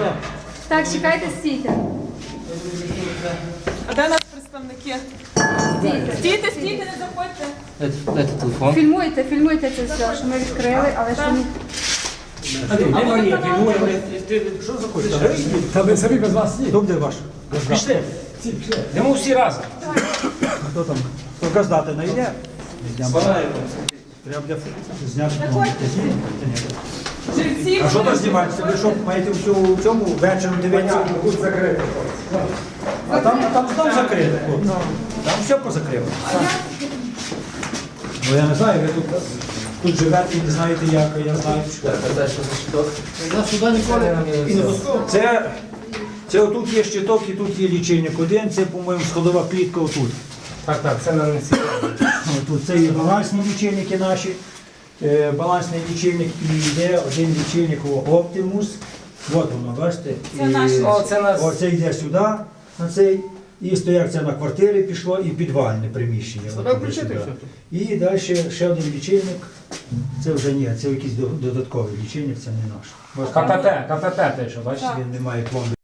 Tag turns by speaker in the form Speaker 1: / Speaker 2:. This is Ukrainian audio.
Speaker 1: що?
Speaker 2: Так, чекайте, стійте.
Speaker 3: А де у нас представники? Стійте, не заходьте.
Speaker 4: Дайте телефон.
Speaker 2: Фільмуйте це все, що ми відкрили, але що ми...
Speaker 1: Де Марія? Що заходите? Та ви самі без вас ні. Хто буде ваш? Пішли. Йдемо всі разом. Хто там? Хто газдати не йде? Треба буде зняти.
Speaker 3: Жильці.
Speaker 1: А що там знімаєте? Ви що, маєте в цьому вечором дивитися? А там знов закрито. Там все позакрито. Ну я не знаю, ви тут живете і не знаєте як, а я знаю.
Speaker 4: Я сюди ніколи не пускав.
Speaker 1: Це отут є щиток і тут є лічильник один, це, по-моєму, сходова клітка отут.
Speaker 4: Так, це на несі.
Speaker 1: Тут це і балансні лічильники наші, балансний лічильник і йде один лічильник Optimus. От воно, бачите?
Speaker 3: Це наш.
Speaker 1: Оце йде сюди, на цей. І стояк це на квартири пішло і підвальне приміщення.
Speaker 4: Треба включити все.
Speaker 1: І далі ще один лічильник. Це вже ні, це якийсь додатковий лічильник, це не наш.
Speaker 4: КПП, те, що бачите?
Speaker 1: Він не має пломби.